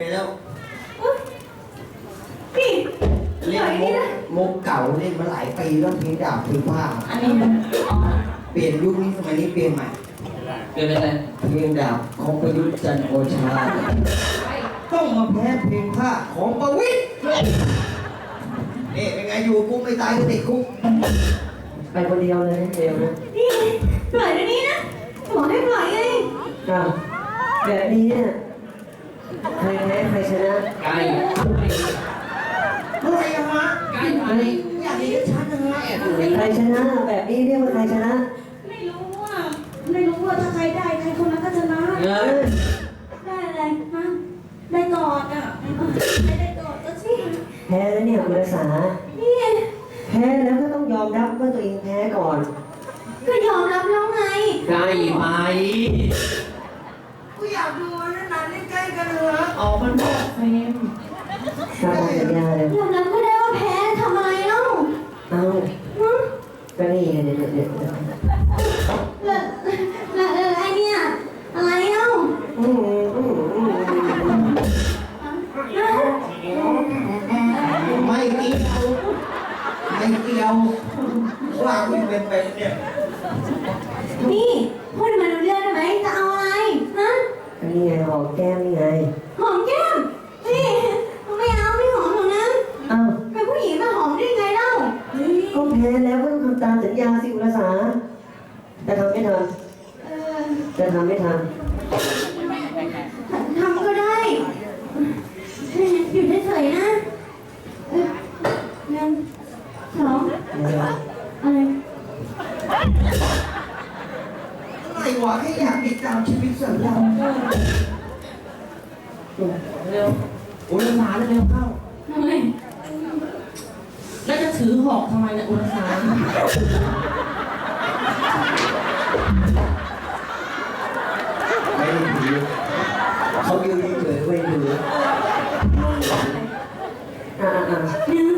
แล้วพี่เล่นมุกเก่าเล่นมาหลายปีแล้วเพลงดาบเพลงผ้าอันนี้เปลี่ยนยุคนี้สมัยนี้เปลี่ยนใหม่เกิดเป็นอะไรเพลงดาบของประยุทธ์จันทร์โอชาต้องมาแพ้เพลงผ้าของประวิตรนี่เป็นไงอยู่กูไม่ตายก็ติดคุกไปคนเดียวเลยเดียวนะนี่ปล่อยเดี๋ยวนี้นะบอกให้ปล่อยไงอ้าวแบบนี้เนี่ยใครแพ้ใครชนะไก่อะไรอะฮะไก่ไปอยากเห็นชัดๆนะฮะใครชนะแบบนี้เรียกว่าใครชนะไม่รู้ว่าถ้าใครได้ใครคนนั้นก็ชนะเออได้อะไรฮะได้กอดอ่ะได้กอดก็สิแพ้แล้วเนี่ยคุณรักษานี่แพ้แล้วก็ต้องยอมรับว่าตัวเองแพ้ก่อนก็ยอมรับแล้วไงไกลไปกูอยากดูนานๆใกล้ๆกันเลยฮะออกมันบอกเฟมตามสัญญาเลยยอมรับก็ได้ว่าแพ้ทำอะไรเล่าเอ้าฮะก็นี่ไงเนี่ยแล้วไอเนี่ยอะไรเล่าอืมอืมอืมไม่เกี่ยวไม่เกี่ยวว่ากูเป็นไปเนี่ยนี่พูดมาดูเรื่องได้ไหมจะเอาอะไรฮะก็นี่ไงหอมแก้มนี่ไงหอมแก้มนี่ไม่เอาไม่หอมหรอกนะเอ้าเป็นผู้หญิงมาหอมได้ไงเล่าก็แพ้แล้วก็ต้องทำตามสัญญาสิคุณรักษาจะทำไม่ทเออำจะทำไม่ททำก็ได้อยู่เฉยๆนะหนึ่งสองำเนี่ยอะไรอะไรวะแค่อยากติดตามชีวิตส่วนเราเร็วอุลสาเร็วเข้าทำไมแล้วจะถือหอกทำไมเนี่ยอุลสาไม่ได้ถือเขายืนเฉยๆไม่ถืออ่าหนึ่ง